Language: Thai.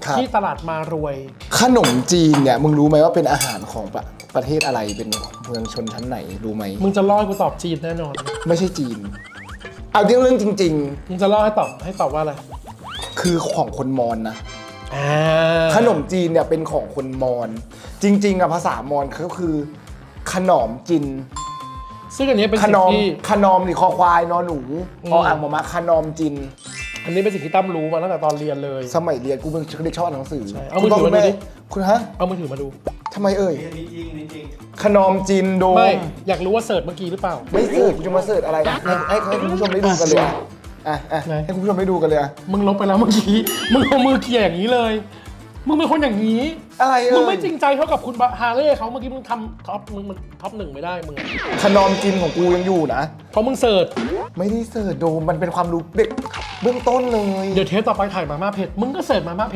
ที่ตลาดมารวยขนมจีนเนี่ยมึงรู้ไหมว่าเป็นอาหารของประเทศอะไรเป็นเมืองชนชั้นไหนรู้ไหมมึงจะล่อให้กูตอบจีนแน่นอนไม่ใช่จีน เอาเรื่องจริงมึงจะล่อให้ตอบว่าอะไรๆ คือของคนมอญนะอ่าขนมจีนเนี่ยเป็นของคนมอญจริงๆอะภาษามอญก็คือขนมจีนซึ่งอันนี้เป็นขสิ่นงมที่ขนมหรือคอควายนอนหนูอ่างมาขนมจีนอันนี้เป็นสิ่งที่ตั้มรู้มาตั้งแต่ตอนเรียนเลยสมัยเรียนกูเป็นเด็กชอบอ่านหนังสือใช่เอามือถือมาดูดิคุณฮะเอามือถือมาดูทำไมเอ่ยนี่จริงนี่จริงขนมจีนโดมไม่อยากรู้ว่าเสิร์ชเมื่อกี้หรือเปล่าไม่เสิร์ชกูจะมาเสิร์ชอะไรนะให้คุณผู้ชมได้ดูกันเลยอ่ะไหนให้คุณผู้ชมได้ดูกันเลยอะมึงลบไปแล้วเมื่อกี้ มึงเอามือเขี่ยอย่างนี้เลย มึงเป็นคนอย่างนี้อะไรเอ่ยมึงไม่จริงใจเท่ากับคุณฮาเล่เขาเมื่อกี้มึงทำท็อปมึงมันท็อปหนึ่งไม่ได้มึงขนมจีนของกูยังอยู่นะเพราะมึงเสิร์ชไม่ได้เสิร์ชโดมมันเป็นความรู้เด็กเบื้องต้นเลยเดี๋ยวเทปต่อไปถ่ายมาม่าเผ็ดมึงก็เสิร์ชมาม่าเผ็ด